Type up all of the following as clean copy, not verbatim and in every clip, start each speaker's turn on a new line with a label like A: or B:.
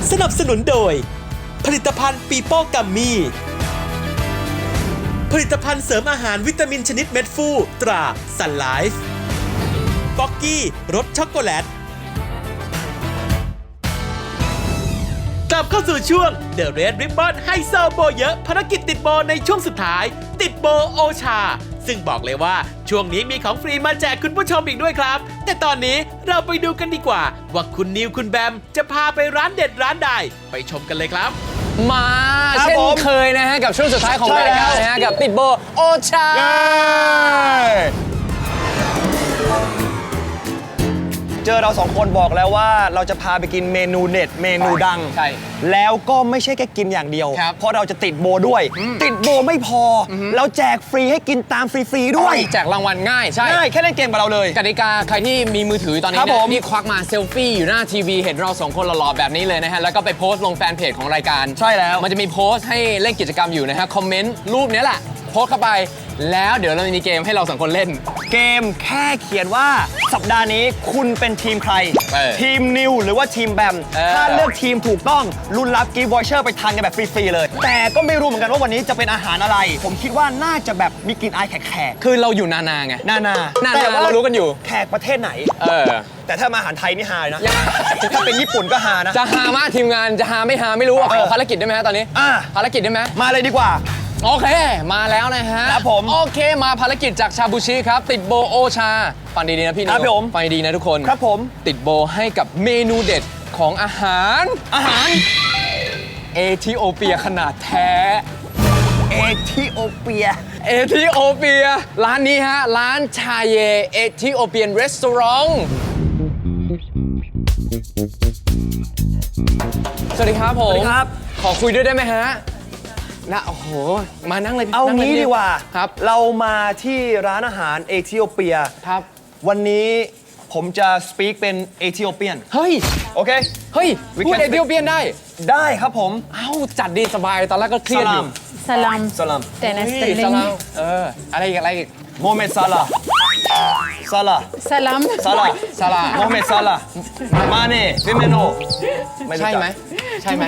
A: สนับสนุนโดยผลิตภัณฑ์ปีโป้กัมมี่ผลิตภัณฑ์เสริมอาหารวิตามินชนิดเม็ดฟูตราซันไลฟ์ป๊อกกี้รสช็อกโกแลตกลับเข้าสู่ช่วง The Red Ribbon ไฮโซโบเยอะภารกิจติดโบในช่วงสุดท้ายติดโบโอชาซึ่งบอกเลยว่าช่วงนี้มีของฟรีมาแจกคุณผู้ชมอีกด้วยครับแต่ตอนนี้เราไปดูกันดีกว่าว่าคุณนิวคุณแบมจะพาไปร้านเด็ดร้านใดไปชมกันเลยครับ
B: มาเช่นเคยนะฮะกับช่วงสุดท้ายของรายการนะฮะกับติดโบโอชา
C: เจอเราสองคนบอกแล้วว่าเราจะพาไปกินเมนูเด็ดเมนูดัง
B: ใช่
C: แล้วก็ไม่ใช่แค่กินอย่างเดียวเพราะเราจะติดโบด้วยติดโบไม่พอเราแจกฟรีให้กินตามฟรีๆด้วย
B: แจกรางวัลง่ายใช่
C: ง่ายแค่เล่นเกมกับเราเลย
B: กติกาใครที่มีมือถือตอนนี้นี่ควักมาเซลฟี่อยู่หน้าทีวีเห็นเราสองคนหล่อๆแบบนี้เลยนะฮะแล้วก็ไปโพสต์ลงแฟนเพจของรายการ
C: ใช่แล้ว
B: มันจะมีโพสต์ให้เล่นกิจกรรมอยู่นะฮะคอมเมนต์รูปนี้แหละโพสต์เข้าไปแล้วเดี๋ยวเรามีเกมให้เราสองคนเล่น
C: เกมแค่เขียนว่าสัปดาห์นี้คุณเป็นทีมใครทีมนิวหรือว่าทีมแบมถ้าเลือกทีมถูกต้องลุ้นรับกิฟต์วอเชอร์ไปทานกันแบบฟรีๆเลยแต่ก็ไม่รู้เหมือนกันว่าวันนี้จะเป็นอาหารอะไรผมคิดว่าน่าจะแบบมีกลิ่นอายแขก
B: คือเราอยู่นานาไง
C: นา
B: แต่ว่าเรารู้กันอยู่
C: แขกประเทศไหนแต่ถ้ามาอาหารไทยนี่ฮานะถ้าเป็นญี่ปุ่นก็ฮานะ
B: จะฮามากทีมงานจะฮาไม่ฮาไม่รู้ขอภารกิจได้ไหมตอนนี้ภารกิจได้ไหม
C: มาเลยดีกว่า
B: โอเคมาแล้วนะฮะ
C: ครับผม
B: โอเคมาภารกิจจากชาบูชิครับติดโบโอชาฟังดีๆนะพี่นิวฟังดีๆนะทุกคน
C: ครับผม
B: ติดโบให้กับเมนูเด็ดของอาหารเอธิโอเปียขนาดแท้
C: เอธิโอเปีย
B: ร้านนี้ฮะร้านชาเยเอธิโอเปียนรีสอร์ทสวัสดีครับผมขอคุยด้วยได้ไหมฮะนะโอ้โหมานั่งเลย
C: เอางี้ดีกว่า
B: ครับ
C: เรามาที่ร้านอาหารเอธิโอเปีย
B: ครับ
C: วันนี้ผมจะสปีกเป็นเอธิโอเปียน
B: เฮ้ย
C: โอเค
B: เฮ้ยพูดเอธิโอเปียน
C: ได้ครับผม
B: เอ้าจัดดีสบายตอนแรกก็เครียดอยู่
D: สลามแต่ในสเตลลิง
B: อะไรอีก
C: โมเมดซาลา
D: สลาม
C: โมเมดซาลามาเน่ฟิเมโน
B: ใช่ไหมใช่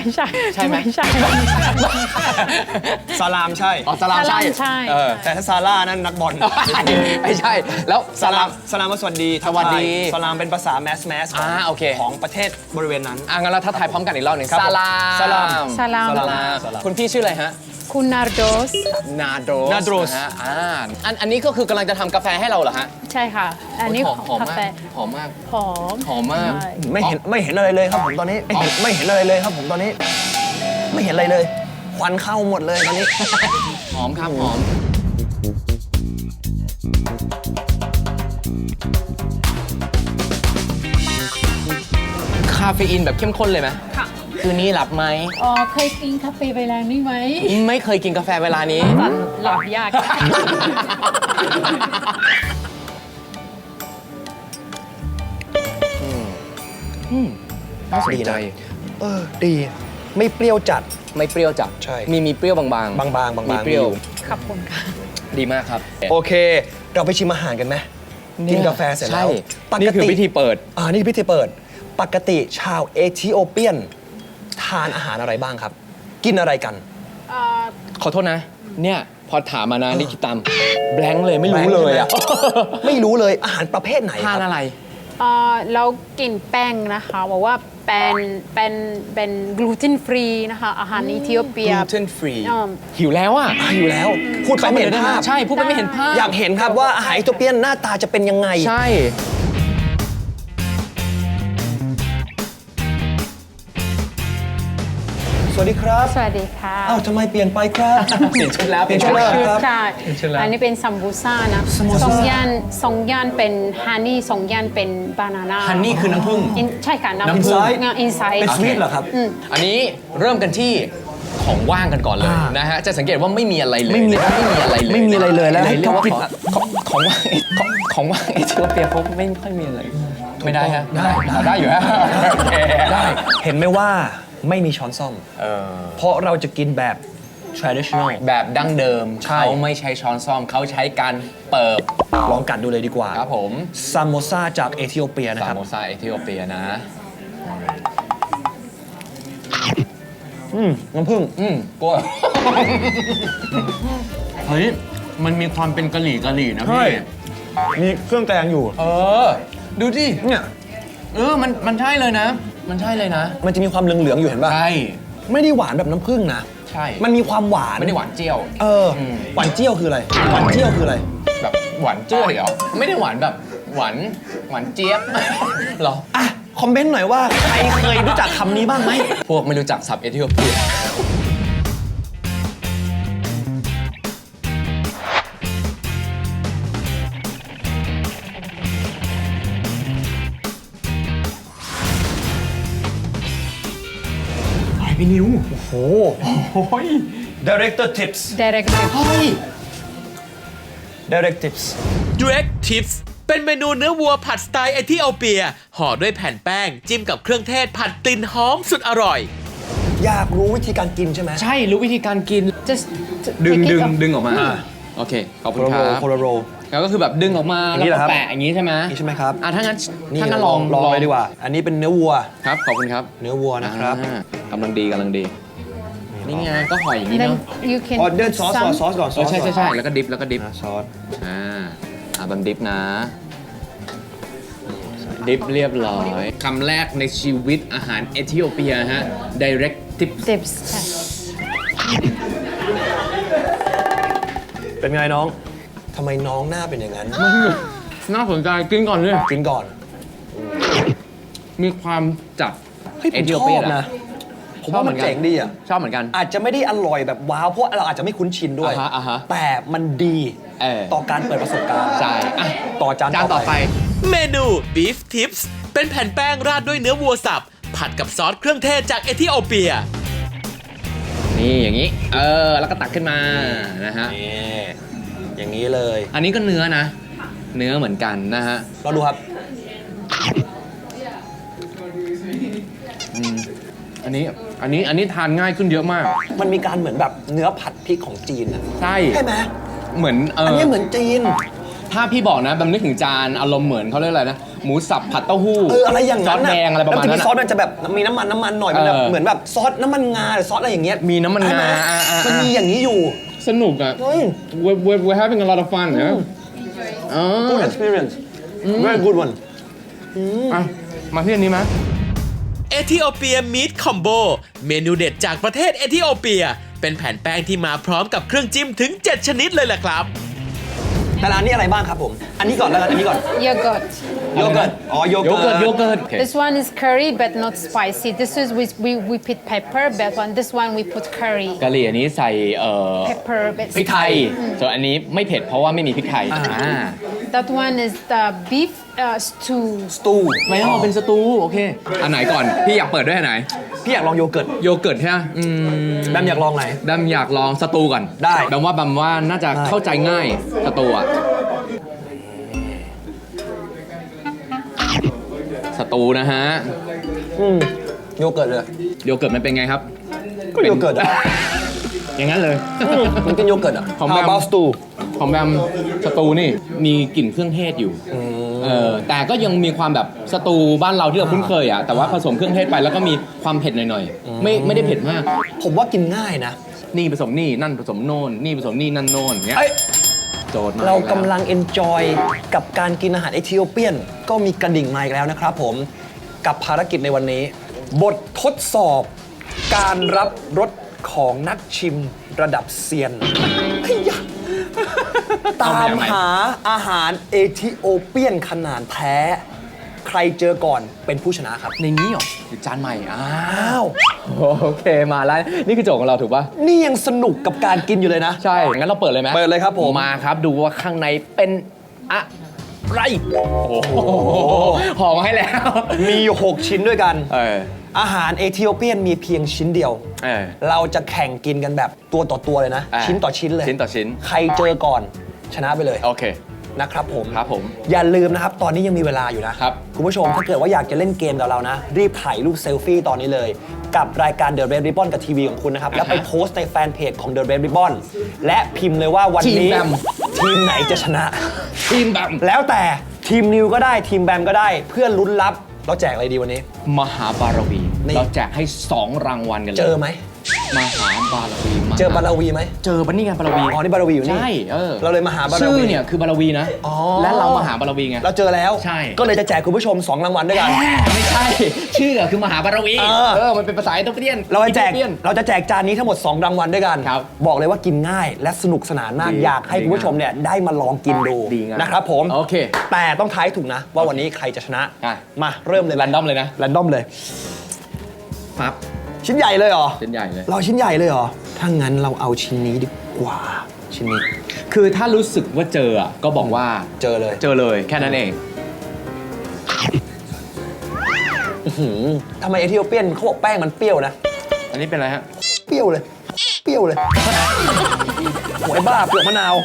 C: ซาลามใช่
B: อ๋อซาลามใช่
C: แต่ถ้าซาร่านั้นนักบอล
B: ไม่ใช่แล้ว
C: ซาลามว่าสวัสดีซาลามเป็นภาษาแมส
B: โอเค
C: ของประเทศบริเวณนั้น
B: งั้นเราถ้าทายพร้อมกันอีกรอบหนึ่งซาลามคุณพี่ชื่ออะไรฮะ
D: คุณนาโดส
B: ฮะอันนี้ก็คือกำลังจะทำกาแฟให้เราเหรอฮะ
D: ใช่ค่ะอันนี้กาแฟ
B: หอมมาก
C: ไม่เห็นอะไรเลยครับผมตอนนี้ไม่เห็นอะไรเลยครับผมตอนนี้ไม่เห็นอะไรเลยควันเข้าหมดเลยตอนนี้
B: หอมครับหอมคาเฟอีนแบบเข้มข้นเลยไหม
D: ค่ะ
B: คืนนี้หลับไหม
D: เคยกินกาแฟเวลานี้ไหม
B: ไม่เคยกินกาแฟเวลานี้
D: หลับยาก
B: น่าสนใจ
C: ดีไม่เปรี้ยวจัด
B: ใช่มีเปรี้ยวบางมีเปรี้ยว
D: ขอบคุณค่ะ
B: ดีมากครับ
C: โอเคเราไปชิมอาหารกันไหมกินกาแฟเสร็จแล้ว
B: นี่คือพิธีเปิด
C: นี่พิธีเปิดปกติชาวเอธิโอเปียนทานอาหารอะไรบ้างครับกินอะไรกัน
B: ขอโทษนะเนี่ยพอถามมานะนี่คิดตามแบงค์เลยไม่รู้เลยอ่ะ
C: ไม่รู้เลยอาหารประเภทไหน
B: ทานอะไร
D: เรากินแป้งนะคะบอกว่าเป็นกลูเตนฟรีนะคะอาหารเอธิโอเปีย
B: กลูเตนฟรีหิวแล้ว
C: หิวแล้วพูดไปไม่เห็นภาพ
B: ใช่พูดไปไม่เห็นภาพ
C: อยากเห็นครับว่าอาหารเอธิโอเปียนหน้าตาจะเป็นยังไง
B: ใช่
C: สวัสดีครับ
D: สวัสดีค่ะ
C: ทำไมเปลี่ยนไปครับ
B: เปลี่ยนชุดแล้ว
D: ใช่อันนี้เป็นซัมบูซ่านะสองย่านเป็นฮันนี่2 ย่านเป็นบานาน่า
B: ฮันนี่คือน้ำผึ้ง
D: ใช่ค่ะ
C: น้ำผึ้ง
D: อินไซด์
C: เป็นสวีทเหรอครับ
B: อันนี้เริ่มกันที่ของว่างกันก่อนเลยนะฮะจะสังเกตว่าไม่มีอะไรเลย
C: ไม่มีอะไรเลยแล้ว
B: เรียกว่าของว่างเอธิโอเปียเขาไม่ค่อยมีอะไรไม่ได้ฮะได้อยู่ฮะ
C: ได้เห็นไหมว่าไม่มีช้อนส้อมเพราะเราจะกินแบบ traditional
B: แบบดั้งเดิมเขาไม่ใช้ช้อนส้อมเขาใช้การเปิบ
C: ลองกัดดูเลยดีกว่า
B: ครับผม
C: ซามโมซาจากเอธิโอเปียนะครับ
B: ซามโมซาเอธิโอเปียนะ
C: น้ำผึ้ง
B: กลัว เฮ้ย มันมีความเป็นกะหรี่นะ
C: ใช่
B: พี่
C: มีเครื่องแกงอยู่
B: ดูดิ
C: เนี่ย
B: มันใช่เลยนะ มันใช่เลยนะ
C: มันจะมีความเหลืองๆอยู่เห็นป่ะ
B: ใช่
C: ไม่ได้หวานแบบน้ำผึ้งนะ
B: ใช่
C: มันมีความหวาน
B: ไม่ได้หวานเจียว
C: หวานเจี้ยวคืออะไร หวานเจี้ยวคืออะไร
B: แบบหวานจ้วยเหรอ ไม่ได้หวานแบบหวานเจี๊ยบ เหรอ
C: อ่ะ คอมเมนต์หน่อยว่าใครเคยรู้จักคำนี้บ้างไหม
B: พวกไม่รู้จักศัพท์เอธิโอเปีย
C: พี่นิว โอ้โห Director Tips
D: Directive
C: Direct Tips
A: Direct Tips เป็นเมนูเนื้อวัวผัดสไตล์เอธิโอเปียห่อด้วยแผ่นแป้ง จิ้มกับเครื่องเทศผัดกลิ่นหอมสุดอร่อย
C: อยากรู้วิธีการกินใช่ไหม
B: ใช่ รู้วิธีการกิน
D: just
B: ดึง
D: take it
B: ดึง
D: off
B: ดึงออกมา โอเค ขอบคุณครับ
C: โคโลโร
B: แล้วก็คือแบบดึงออกมา
C: อย่างนี้
B: แล้ว
C: เหรอครับ
B: ก็แปะอย่างนี้ใช่ไหม
C: นี่ใช่ไหมครับ
B: ถ้างั้น
C: นี่
B: ถ้างั้นลอง
C: เลยดีกว่า อันนี้เป็นเนื้อวัว
B: ครับ ขอบคุณครับ
C: เนื้อวัวนะครับ
B: กำลังดีนี่ไงก็ห่ออย่างนี้
D: then
B: เนาะ
D: you can
C: ออเดอร์ซอสก่อน
D: some
C: ซอสก่อนซอส
B: ใช่
C: ก่อน
B: ใช่แล้วก็ดิฟแล้วก็ดิฟ
C: ซอส
B: บันดิฟนะ ดิฟเรียบร้อยคำแรกในชีวิตอาหารเอธิโอเปียฮะ direct tip
D: tips ใช่
C: เป็นไงน้อง ทำไมน้องหน้าเป็นอย่างนั้น
B: น่าสนใจกินก่อนเลย
C: กินก่อน
B: มีความจัด
C: เฮ้ยผม
B: เอธิ
C: ช
B: โอ
C: อ
B: เปีย
C: บนะ ผมว่ามันเจ๋งดีอ่ะ
B: ชอบเหมือนกัน
C: อาจจะไม่ได้อร่อยแบบว้าว เพราะเราอาจจะไม่คุ้นชินด้วย
B: อ่าฮะ
C: แต่มันดี ต่อการเปิดประสบการณ์
B: ใช่อ่ะ
C: ต่อจาน
B: จานต่อไป
A: เมนู Beef Tips เป็นแผ่นแป้งราดด้วยเนื้อวัวสับ ผัดกับซอสเครื่องเทศจากเอธิโอเปีย
B: นี่อย่างนี้ แล้วก็ตักขึ้นมานะฮะ
C: นี่อย่างนี้เลย
B: อันนี้ก็เนื้อนะ เนื้อเหมือนกันนะฮะ
C: เราดูครับ
B: อันนี้ทานง่ายขึ้นเยอะมาก
C: มันมีการเหมือนแบบเนื้อผัดพริกของจีนอ่ะ
B: ใช่
C: ใช่ไหม
B: เหมือน
C: อันนี้เหมือนจีน
B: ถ้าพี่บอกนะแบบนึกถึงจานอารมณ์เหมือนเขาเรียกอะไรนะ หมูสับผัดเต้าหู้
C: อะไรอย่าง
B: ซอ
C: นั้น
B: สแดงอะไรประมาณ
C: แล้ว
B: นั้น
C: ซอสมันจะแบบมีน้ำมันหน่อยมันแบบ
B: เออ
C: เหมือนแบบซอสน้ำมันงาหรือซอสอะไรอย่างเงี้ย
B: มีน้ำมันงา
C: ใช่ไห มันมีอย่างนี้อยู่
B: สนุกอ่ะ
C: เฮ้ย
B: we're having a lot of fun นะ
C: good experience very good one
B: อ่ะมาที่อันนี้ไหม
A: เอธิโอเปียมีทคอมโบเมนูเด็ดจากประเทศเอธิโอเปีย เป็นแผ่นแป้งที่มาพร้อมกับเครื่องจิ้มถึง 7 ชนิดเลยแหละครับ
C: แต่ร้านนี้อะไรบ้างครับผม อันนี้ก่อนแล้วกันอันนี้ก่อน
D: yogurt
C: โยเกิร์ต อ๋อ โย
B: โย
C: เกิร์ต
B: เกิร์ตโยเกิร์ต
D: this one is curry but not spicy this is we put pepper but one this one we put curry
B: กะหรี่อันนี้ใส่
D: pepper but
B: พริกไทย ส่วนอันนี้ไม่เผ็ดเพราะว่าไม่มีพริกไทย
D: that one is the beef stew
C: สตู
B: ไม่ต้องเป็นสตูโอเค อันไหนก่อน พี่อยากเปิดด้วยอันไหน
C: พี่อยากลองโยเกิร์ต
B: โยเกิร์ตใช่ไหม
C: แบมอยากลองไหน
B: ดำอยากลองสตูก่อน
C: ได้
B: ดำว่าน่าจะเข้าใจง่ายสตูอ่ะสตูนะฮะ
C: โยเกิร์ตเลย
B: โยเกิร์ตมันเป็นไงครับ
C: ก็โยเกิร์ตอ่ะ
B: อย่างนั้นเลย
C: มันกินโยเกิร์ตอ่ะ
B: ของ
C: How
B: แบม
C: about stew
B: ของแบมสตูนี่มีกลิ่นเครื่องเทศอยู่แต่ก็ยังมีความแบบสตูบ้านเราที่เราคุ้นเคยอ่ะแต่ว่าผสมเครื่องเทศไปแล้วก็มีความเผ็ดหน่อยๆไม่ได้เผ็ดมาก
C: ผมว่ากินง่ายนะ
B: นี่ผสมนี่นั่นผสมโน่นนี่ผสมนี่นั่นโน่นเงี้ย
C: เอ้ย
B: โจทย์มา
C: เรา
B: อีแว
C: กำลัง enjoy กับการกินอาหารเอธิโอเปียน ก็มีกระดิ่งมาอีกแล้วนะครับผม กับภารกิจในวันนี้ บททดสอบ การรับรสของนักชิมระดับเซียนเฮ้ยยะตามหาอาหารเอธิโอเปียนขนาดแท้ ใครเจอก่อนเป็นผู้ชนะครับ
B: ในนี้เหรอหรือจานใหม่
C: อ้าว
B: โอเคมาแล้วนี่คือโจทย์ของเราถูกป่ะ
C: นี่ยังสนุกกับการกินอยู่เลยนะ
B: ใช่งั้นเราเปิดเลยไหม
C: เปิดเลยครับผม
B: มาครับดูว่าข้างในเป็นอะไรโอ้โหห่อมาให้แล้ว
C: มีอยู่6ชิ้นด้วยกัน อาหารเอธิโอเปียนมีเพียงชิ้นเดียว เราจะแข่งกินกันแบบตัวต่อตัวเลยนะ ชิ้นต่อชิ้นเลย
B: ชิ้นต่อชิ้น
C: ใครเจอก่อนชนะไปเลย
B: โอเค
C: นะครับผม
B: ครับผม
C: อย่าลืมนะครับ ตอนนี้ยังมีเวลาอยู่นะครับ คุณผู้ชมถ้าเกิดว่าอยากจะเล่นเกมกับเรานะ รีบถ่ายรูปเซลฟี่ตอนนี้เลย กับรายการ The Red Ribbon กับทีวีของคุณนะครับ แล้วไปโพสต์ในแฟนเพจของ The Red Ribbon และพิมพ์เลยว่าวันนี้
B: ทีมแบม
C: ทีมไหนจะชนะ
B: ทีมแบบ
C: แล้วแต่ทีมนิวก็ได้ทีมแบมก็ได้เพื่อลุ้นรับเราแจกอะไรดีวันนี้
B: มหาบารวี
C: นี่
B: เราแจกให้ 2 รางวัลกันเลย
C: เจอไหม
B: มหาบารวีมห
C: เจอบาราวีไหม
B: เจอบันนี่ไงบารวี
C: อ๋อนี่บาราวีอยู่นี่
B: ใช่
C: เราเลยมาหาบาราวี
B: ชื่อเนี่ยคือบารวีนะ
C: อ๋อ
B: และเรามาหาบารวีไง
C: เราเจอแล้ว
B: ใช่
C: ก็เลยจะแจกคุณผู้ชม2รางวัลด้วยกัน
B: ไม่ใช่ ชื่อคือมหาบารวี มันเป็นภาษาอิตาเลียน
C: เราจะแจก
B: อิตาลียน
C: เราจะแจกจานนี้ทั้งหมด2รางวัลด้วยกัน
B: ครับ
C: บอกเลยว่ากินง่ายและสนุกสนานมาก
B: ดี
C: อยากให้คุณผู้ชมเนี่ยได้มาลองกินดู
B: ดีงาม
C: นะครับผม
B: โอเค
C: แต่ต้องทายถูกนะ ว่าวันนี้ใครจะชนะ
B: อ่ะ
C: มาเริ่มเลย
B: แรนดอมเลยนะ
C: แรนดอมเลย
B: ปั๊บ
C: ชิ้นใหญ่เลยเหรอ
B: เส้นใหญ่เลย
C: เราชิ้นใหญ่เลยเหรอ ถ้างั้นเราเอาชิ้นนี้ดีกว่า ชิ้นนี้
B: คือถ้ารู้สึกว่าเจออะก็บอกว่า
C: เจอเลย
B: เจอเลยแค่นั้นเอง
C: ทำไมเอธิโอเปียนเขาบอกแป้งมันเปรี้ยวนะ
B: อันนี้เป็นอะไรฮะ
C: เปรี้ยวเลย เปรี้ยวเลยโอ้ยบ้าเปลือกมะนาว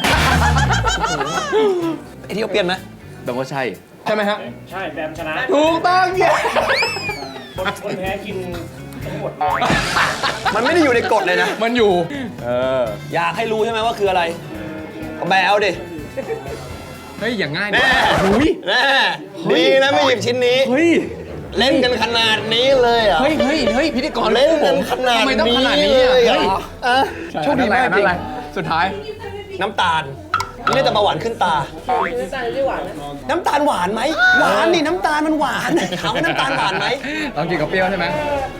C: เอธิโอเปียนนะ
B: แปลว่าใช่ ใช่ไหมฮะ
E: ใช่แบมชนะ
B: ถูกต้องเย้
E: คนแพ้กินทั้งหมด
C: มันไม่ได้อยู่ในกฎเลยนะ
B: มันอยู่
C: อยากให้รู้ใช่ไหมว่าคืออะไรก็แบเอาดิ
B: เฮ้ย อย่างง่าย
C: แน่
B: หุย
C: แน่ดีนะไม่หยิบชิ้นนี้
B: เฮ้ย
C: เล่นกันขนาดนี้เลยเหรอ่ะ
B: เฮ้ย เฮ้ย เฮ้ย พิธีกร
C: เล่นกันขนาด
B: ทำไมต้อง
C: นี้
B: ขนาดนี้
C: เล
B: อะ
C: ยเหร
B: เฮ้ย
C: ออ่ะโชคดีมากจริง
B: อะไรสุดท้าย
C: น้ำตาล นี่น่าจะเบาหวานขึ้นตา น้ำตาลหวานไหม หวานนี่น้ำตาลมันหวาน ถามว่าน้ำตาลหวานไหม
B: ลองกินกับเปรี้ยวใช่ไหม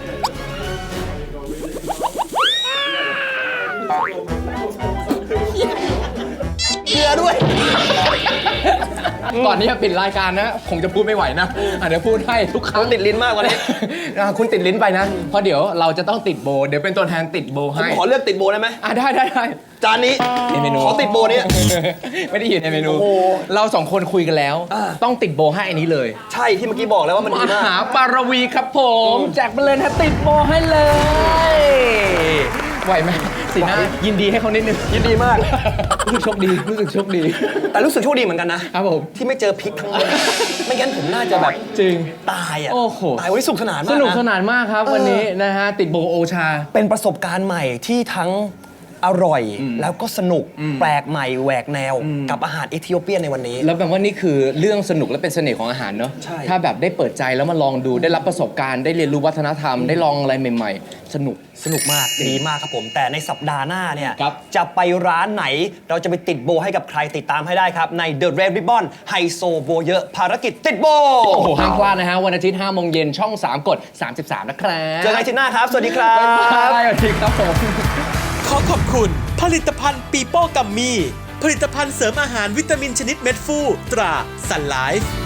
C: เกลือด้วย
B: ก่อนที่จะปิดรายการนะ คงจะพูดไม่ไหวนะเดี๋ยวพูดให้ทุกครั้ง
C: ติดลิ้นมากกว่านี้
B: คุณติดลิ้นไปนะ เพราะเดี๋ยวเราจะต้องติดโบว์เดี๋ยวเป็นตัวแทนติดโบว์
C: ผม
B: ให้
C: ขอเลือกติดโบได้ไหม
B: ได้ได้ได้
C: จานนี้
B: ในเมนู
C: ขอติดโบนี้
B: ไม่ได้อยู่ในเมนู
C: โอ้โห
B: เราสองคนคุยกันแล้ว
C: อ่า
B: ต้องติดโบว์ให้อันนี้เลย
C: ใช่ที่เมื่อกี้บอกแล้วว่ามัน
B: ม
C: ดีมาก
B: หาปารวีครับผม แจกไปเลยนะติดโบว์ให้เลย ไหวไหมสีหน้ายินดีให้เขานิดนึง
C: ยินดีมาก
B: รู้สึกโชคดีรู้สึกโชคดี
C: แต่รู้สึกโชคดีเหมือนกันนะ
B: ครับผม
C: ที่ไม่เจอพริกทั้งหมด ไม่งั้นผมน่าจะแบบ
B: จริง
C: ตายอ่ะ
B: โอ้โห
C: ตายวันนี้สนุกสนานมาก
B: สนุกส
C: นะ
B: นานมากครับวันนี้นะฮะติดโบว์โอชา
C: เป็นประสบการณ์ใหม่ที่ทั้งอร่อย แล้วก็สนุกแปลกใหม่แหวกแนว กับอาหารเอธิโอเปียนในวันนี้
B: แล้วแบบว่านี่คือเรื่องสนุกและเป็นเสน่ห์ของอาหารเนาะ
C: ใช่
B: ถ้าแบบได้เปิดใจแล้วมาลองดูได้รับประสบการณ์ได้เรียนรู้วัฒนธรรมได้ลองอะไรใหม่ๆ สนุก
C: สนุกมากดีมากครับผม แต่ในสัปดาห์หน้าเนี่ย
B: ครับ
C: จะไปร้านไหนเราจะไปติดโบให้กับใครติดตามให้ได้ครับ ใน The Red Ribbon ไฮโซโบเยอะภารกิจติดโบ
B: โอ้โหห้ามพลาดนะฮะวันอาทิตย์5 โมงเย็นช่อง 3 กด 33 นะครับ
C: เจอกันอาทิตย์หน้าครับ สวัสดีครับ
B: บ๊ายบายสวัสดีครับผม
A: ขอขอบคุณ ผลิตภัณฑ์ปีโป้กัมมี่ผลิตภัณฑ์เสริมอาหารวิตามินชนิดเม็ดฟูตรา Sun Life